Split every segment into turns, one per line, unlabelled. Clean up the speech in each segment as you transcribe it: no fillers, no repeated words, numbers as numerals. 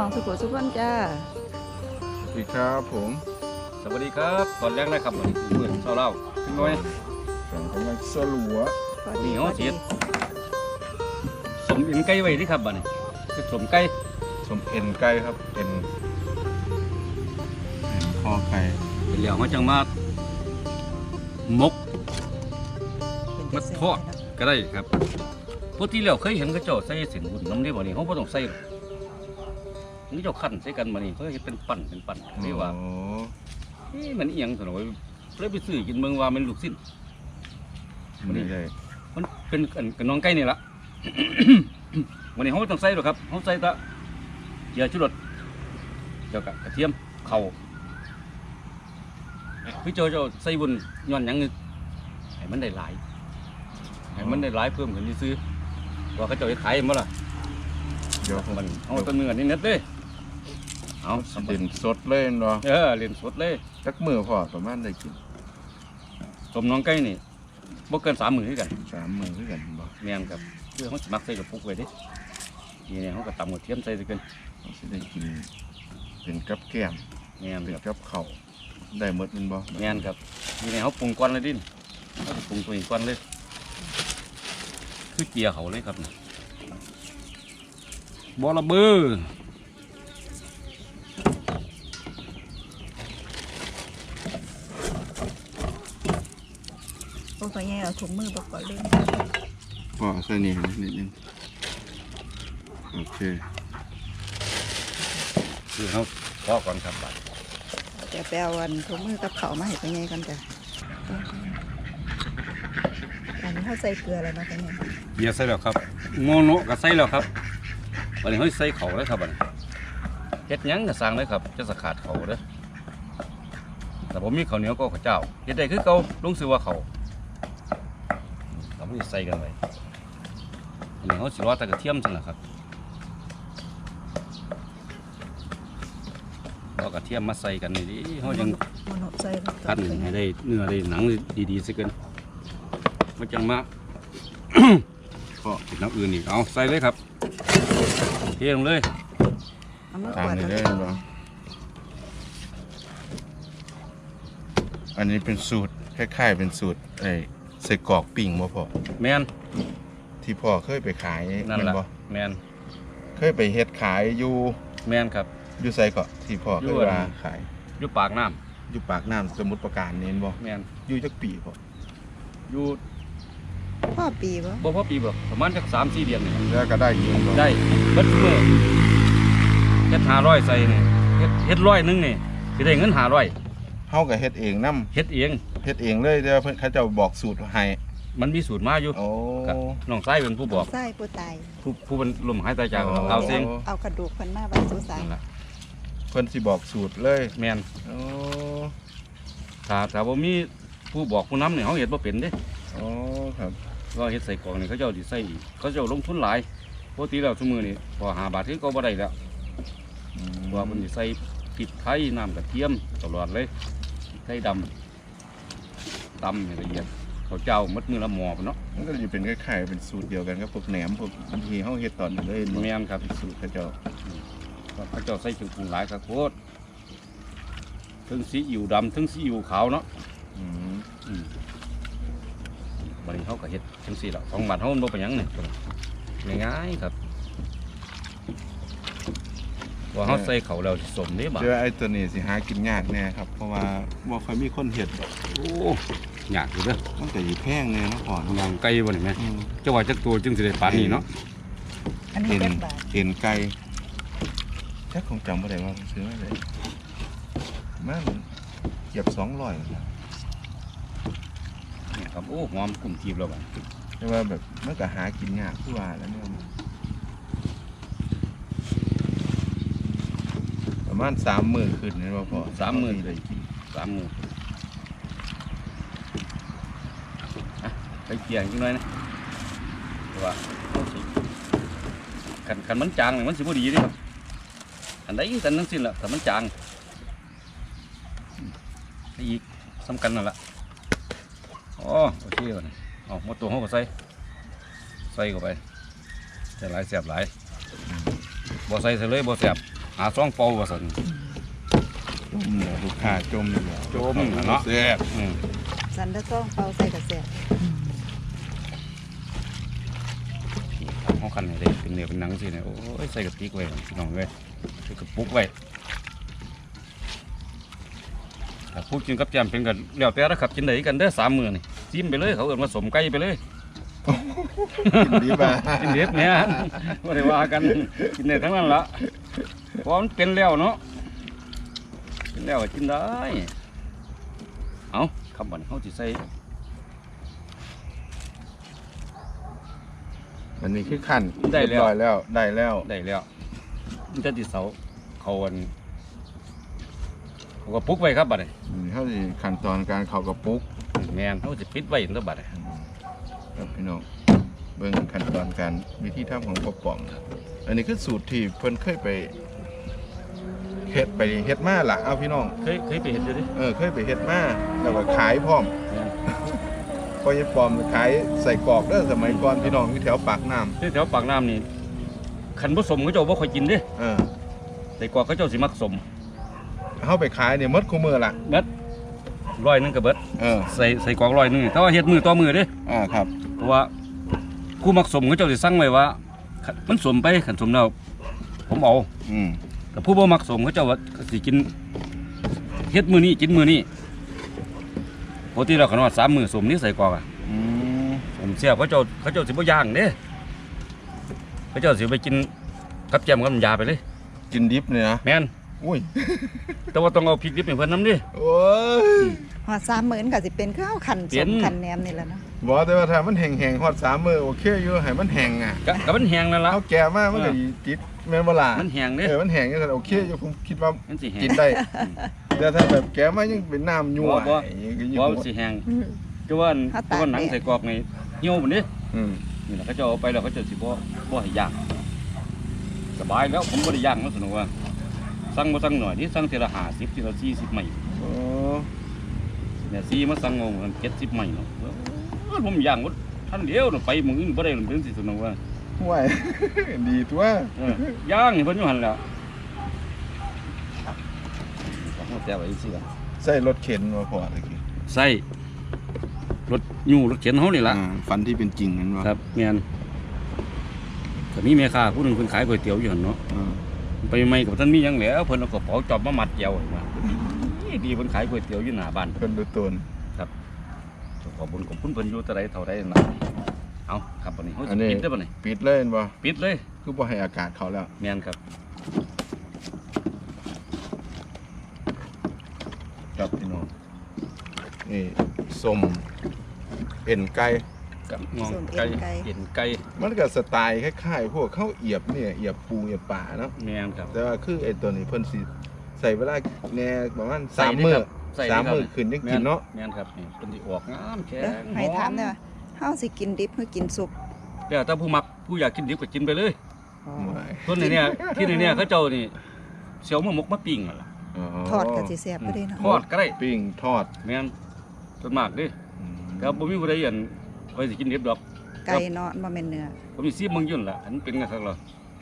องสุขสุขคนจ้า
สวัสดีครับผม
สวัสดีครับตอนแรกนะครับเหมือนเพื่อนเล่าขึ้นน้อย
ผมกำลังสลัว
นี่เขาเสียสมเอ็นไก่ไว้ที่ครับบ้านนี้คือสมไก่
สมเอ็นไก่ครับเอ็นคอไก่
เป็นเหลี่ยวเขาจังมามกมัดทอดก็ได้ครับปกติแล้วเคยเห็นเขาเจ้าใส่เส้นบุญน้ำนี่บ่นี่เขาไม่ต้องใส่นี่เจ้าขั้นใส่กันบ่นี่เขาเห็นเป็นปั่นไม่ว่ามันเอียงสนอยเลยไปซื้อกินเมืองว่ามันลูกสิ้น
มันนี่เลย
มันเป็นกับน้องไก่นี่ละวันนี้เขาต้องใส่หรอครับเขาใส่ตะเยาชูรสเจ้ากระเทียมเข่าพี่เจ้าใส่บุญย้อนยังนึกให้มันได้หลายเพิ่มขึ้นที่ซื้อว่าเขาเจ้าจะขายมั้งล่ะ
เดี๋ยว
มันเอาต้นเนื้อนี่เน็ตเลยเอา
เล่นสดเลยเนาะ
เล่นสดเลย
สักมือพอประมาณได้กิน
สมน้องไก่นี่บ่เกิน3 มื้อกัน
3 มื้อกันบ่
แม่นครับเพื่อเขามักใส่กระปุกไว้ดินี่เนี่ยเขาก็ตำกระเทียมใส่กัน
เขาจะได้กินเป็นกับแก้ม
แม่น
เป็นกับข้าวได้หมดมันบ่
แม่นครับนี่เนี่ยเขาปรุงก้อนเลยดิเขาปรุงตัวเองก้อนเลยคือเกียร์เขาเลยครับบอระเบือ
โอ้ยเอาถุงมือบอกก่อนเลย
พอใส่นี่นิดนึงโอเค
คือเขาพอก่อนครับ
จะไปเอาถุงมือกับเขามาให้ไปไงกันจ้ะอันนี้เขาใส่เกลืออะไรมาเป็นไง
เบียร์ใส่แล้วครับโมโนก็ใส่แล้วครับวันนี้เขาใส่เขาเลยครับวันนี้เฮ็ดยังก็สั่งเลยครับจะสกัดเขาเด้อแต่ผมมีข้าวเหนียวก็ข้าวเจ้าเฮ็ดได้คือเก่าลุงซื้อว่าเขาเราไม่ใส่กันเลยอันนี้เขาสิรอแต่กระเทียมจังนะครับเอากระเทียมมาใส่กันนี่ดิเขายังคั่นให้ได้เนื้อได้หนังดีๆสักกันมันจังมาก็ติดน้ำอื่นอีกเอาใส่เลยครับเทลงเลย
ตามนี้ได้บ่อันนี้เป็นสูตรคล้ายๆเป็นสูตรใส่กรอกปิ่งบ่พอ
แมน
ที่พ่อเคยไปขาย
นั่นแหละแมน
เคยไปเฮ็ดขายอยู่
แมนครับ
อยู่ไสก็ที่พ่อเคยว่าขาย
อยู่ปากน้
ำสมุทรปราการนี่บ่
แมน
อยู่จักปีพ่อ
อยู่
พ่อปีบ่
พ่อปีบ่ประมาณสัก3-4 เดือนนี่
แล้วก็ได้ยิง
ได้เบิดมื้อเฮ็ด500ใส่นี่เฮ็ด100นึงนี่สิได้เงิน500
เฮาก็เฮ็ดเองนำ
เฮ็ดเอง
เลยเดี๋ยวเพิ่นเขาเจ้าบอกสูตรให้
มันมีสูตรมาอยู่กับน้องชายเป็นผู้บอก
ชายผู้ตาย
ผู้เป็นลมหายใจจากเอาเสียง
เอากระดูกเพิ่นมาบรรจุใส่
เพิ่นสิบอกสูตรเลย
แม่นถ้าบ่มีผู้บอกผู้นำเนี่ยเขาเฮ็ดบ่เป็นเด้
ครับ
ว่าเฮ็ดใส่กล่องนี่เขาเจ้าสิใส่อีกเขาเจ้าลงทุนหลายปกติแล้วซุมื้อนี่พอ5 บาทที่ก็บ่ได้แล้วว่าเพิ่นสิใส่พริกไทยน้ำกระเทียมตลอดเลยไทยดำตำให้ละเอียดเขาเจ้ามัดมือละหมอเนาะ
มันก็จะเป็นคล้ายๆเป็นสูตรเดียวกันกับพวกแหนมพวกบางทีเขาเฮ็ดตอนนั้นเลย
แม่นครับ
สูตรเขาเจ้า
ใส่เครื่องปรุงหลายครับโคตรทั้งซีอิ๊วดำทั้งซีอิ๊วขาวเนาะวันนี้เขาก็เฮ็ดจังซี่ละ2 บาทเขาบ่เป็นหยังนี่ง่ายๆครับว่าเขาใส่เขาแล้วสมนี่บ่
เจอไอ้ตัวนี้สิหากินยากแน่ครับเพราะว่าบ่ค่อยมีคนเฮ็ด
โอ้ยากอยู่เด้อ
มันก็สิแพงเลยเนาะพ่
อย่างไก่บ่นี่แม่เจ้าว่าจักตัวจึงสิได้ปานนี้เนาะ
เอ็นไก่แค่คงจำบ่ได้ว่าซื้อมาได้มันเกือบ200
เนี่ยครับโอ้หอมกลุ่มจีบแล้วบ่
แต่ว่าแบบมันก็หากินยากคือว่าแล้วเนี่ยประมาณ3 มื้อขึ้นนี่ว่าพอ
3 มื้อได้กิน3 มื้อไปเกี่ยงจังหน่อยนะว่าคันมันจางนี่มันสิบ่ดีเด้ครับอันใดกันทั้งสิ้นล่ะถ้ามันจางอีกสำคัญนั่นล่ะโอเคก่อนเอาหมดตัวเขาก็ใส่เข้าไปจะหลายแสบหลายบ่ใส่เลยบ่แสบหาซ่องเป่าว่าซั่น
จมเนี่ยลูกค้าจมเนี่ย
จมเนาะ
แซ่บ
สันตะซ่องเป่าใส่กระแสบ
เขาคันให้ได้เป็นเนื้อเป็นหนังสิเนี่ยโอ้ยใส่กระติกไว้พี่น้องเว้ยใส่กระปุกไว้ถ้าพูดกินกับแจมเป็นกันแล้วแต่ละครับกินได้กันเด้อ3 มื้อนี่ซิมไปเลยเขาเอิ้นว่าสมไก่ไปเลย
กินดีป่ะ
กินเด็ดเนี่ยบ่ได้ว่ากันกินได้ทั้งนั้นละเพราะมันเป็นแล้วเนาะเป็นแล้วก็กินได้เอาคำบัดนี้เขาสิใส่
อันนี้คือขั้น
ได้แล้ว
เรียบร้อยแล้วได้แล้ว
ได้แล้วมันจะติดเสาเขาวันเขาก็ปลุกไว้ครับบัดนี้
เขาสิขั้นตอนการเข้ากระปุก
แมนเขาจะปิดไว้ตั้งบัดนี้
ครับพี่น้องเบิ่งขั้นตอนการวิธีทำของพ่อป๋องอันนี้คือสูตรที่เพิ่นเคยไปเฮ็ดมาล่ะเอาพี่น้อง
เคยไปเห็นอยู่ดิ
เคยไปเฮ็ดมาแล้วก็ขายพร้อม
แม่น
พอยายปอมขายใส่กรอกเด้อสมัยก่อนพี่น้องอยู่แถวปากน้ำ
ที่แถวปากน้ำนี่ขันผสมเขาเจ้าบ่ค่อยกินเดิ
เออ
แต่กว่าเขาเจ้าสิมักสม
เฮาไปขายเนี่ยหมดคู่มือล่ะ
เบิด100นึงก็เบิด ใส่กล่อง100นึงแต่ว่าเฮ็ดมือต่อมือเดิ
ครับ
เพราะว่าผู้มักสมเขาเจ้าสิสั่งไว้ว่าคันมันสมไปขันสมแล้วผมเอา
อืม
แต่ผู้บ่มักสมเขาเจ้าว่าสิกินเฮ็ดมือนี้กินมือนี้ปกติเราขนว่า3 มื้อสมนี่ใส่กล่อง
อืม
ผมเสียบเขาเจ้าสิบ่ย่างเด้เขาเจ้าสิไปกินกับแจ่มกับน้ำยาไปเลย
กินดิบเนี่ยนะ
แม่น
อุ้ย
แต่ว่าต้องเอาพริกดิบให้เพิ่นนำดิ
โอ้ย
หอด30,000ก็สิเป็นข้าวขัน
เปลี่
ส
ยน
มขันแหนมนี่แหละเนาะ
บอกแต่ว่าถ้ามันแห้งๆฮอด3 มื้อโอเคอยู่ให้มันแห้งอ่ะ
ก็มันแห้งนั่นล่ะ
เฮาแก่มามันก็ติดแม่นบ่ล่ะ
มันแห้งเด้
มันแห้งจังซั่นโอเคอยู่ผมคิดว่า
มันสิแห้ง
กินได้แต่ถ้าแบบแก่มายังเป็นน้ำยั่ว
บ่
อย่างงี้ก็ยิ่ง
บ่มันสิแห้งจะว่าจะว่าหนังใส่กรอกนี่เหี่ยวพุ่นเด้
อืม
นี่ล่ะเขาเจ้าเอาไปแล้วเขาเจ้าสิบ่ให้ย่างสบายแล้วผมบ่ได้ย่างมันสนุกว่าสั่งบ่สั่งหน่อยนี่สั่งทีละ50ทีละ40ไม้
โอ้
เนี่ยซีมาสั่งเอา70ไม้เนาะผมย่างหมดทันเดียวเนาะไปมื้ออื่นบ่ได้เพิ่นสิสนุกว่า
ห่วย ดีตัว
ย่างนี่เพิ่นอยู่หั่นแหล้วต้องแต่ไว้สิล่ะ
ใส่รถเข็นมาพอตะกี้
ใส่รถยูรถเข็นเฮานี่ล่ะ
ฟันที่เป็นจริงนั่นวะ
ครับแม่นก็มีแม่ค้าผู้หนึงเพิ่นขายก๋วยเตี๋ยวอยู่หั่นเนาะไปใหม่กับท่านมีหยังแหล้วเพิ่นเอากระเป๋าจอบมามัดเกี่ยวให้มาดีเพิ่นขายก๋วยเตี๋ยวอยู่หน้าบ้าน
เพิ่นดูตน
ขอบคุณเพิ่นอยู่เท่าใดนะเอาครับบัดนี้เฮาสิปิดได้อบัดนี้
ปิดเลยเห็นบ่
ปิดเลย
คือบ่ให้อากาศเขาแล้ว
แม่นครับ
ครับพี่น้องนี่ส้มเอ็นไก่
กับงองไก่เอ็นไก่
มันก็สไตล์คล้ายๆพวกข้าวเอียบเนี่ยเอียบปูเอียบป่าเนาะ
แม่นครับ
แต่ว่าคือไอ้ตัวนี้เพิ่นสิใส่เวลาแหน่ประมาณ
ใส่
3
นี่
มื้อ
ครับใส่นี่ครับ
3 มื้อขึ้นยังกินเนาะ
แม่นครับนี่เพิ่นสิออกงามแข็
เด้อง ให้ถามได้ว่าเฮาสิกินดิบหรือกินสุก
แล้วถ้าผู้มักผู้อยากกินดิบก็กินไปเลย
อ๋อ
ส่วนนี้เนี่ยที่นี่เนี่ยเขาเจ้านี่เสียวมะมกมาปิ้งนั่นล่ะ
ทอดก็สิแซ่บบ่ได้เนาะ
ทอดก็ได้
ปิ้งทอด
แม่นส่วนมากเดิครับบ่มีผู้ใดอันไว้สิกินดิบดอก
ไก่เนาะบ่แม่นเนื้อ
ผมมีซีมึงยุ่นล่ะอันเป็นไงครับล่ะ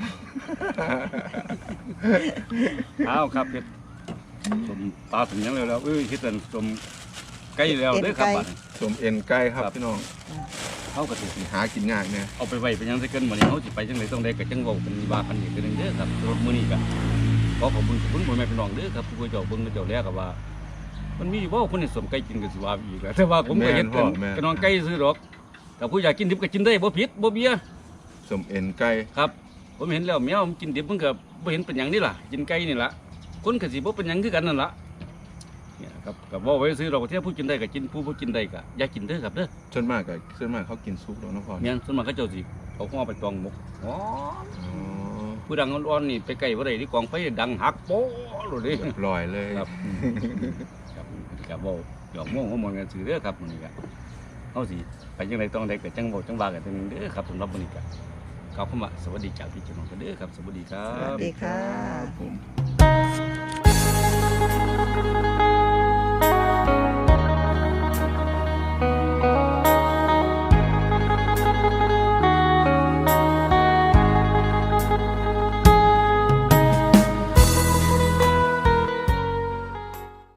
เอาครับเฮ็ดสมปลาถึงหยังแล้วเอ้ยเฮ็ดอันสมไก่แล้วเด้อครับบัดนี้
ส้มเอ็นไก่ครับ
ครับ
พี่น้อง
เฮาก็สิ
หากินง่ายเนี่ย
เอาไปไว้เป็นหยังซะเกินมื้อนี้เฮาสิไปจังไดต้องได้ก็จังเว้ากันว่ากันอีกเทื่อนึงเด้อครับรถมื้อนี้ก็ขอขอบคุณพ่อแม่พี่น้องเด้อครับผู้เจ้าเบิ่งเจ้าแลก็ว่า มันมีบ่คนที่สมไก่กินก็สิว่าอีกแหละแต่ว่าผมก็เฮ็ดกันก็น้องไก่ซื้อดอกแต่ผู้อยากกินดิบก็กินได้บ่ผิดบ่เบี้ย
ส้มเอ็นไก่
ครับผมเห็นแล้วแมวมันกินดิบมันก็บ่เห็นเป็นหยังนี่ล่ะกินไก่นี่ล่ะคนก็สิบ่เป็นหยังคือกันนั่นล่ะเนี่ยครับก็บ่ไว้ซื้อดอกเที่ยผู้กินได้ก็กินผู้บ่กินได้ก็อย่ากินเด้อครับเด้อ
ส่วนมากเขากินซุปแล้วเนาะพ่อ
แม่นส่วนมากเขาเจ้าสิเอาหัวไปตองหมกอ๋อ
อ๋อ
ผู้ดังอ่อนๆนี่ไปใกล้บ่ได้ที่กองไฟดังหักโป๊ะโลดเด้
เรียบร้อยเลย
ครับครับก็บ่หยอกม่วงหัวมอนกันซื่อเด้อครับมื้อนี้ก็เฮาสิไปจังไดต้องได้ก็จังเว้าจังว่ากันเด้อครับสำหรับมื้อนี้ก็ขอบคุณมากสวัสดีจากพี่เจ้าน้องกันเด้อครับสวัสดีครั
สวั
บ
สดีค่ะ
ผม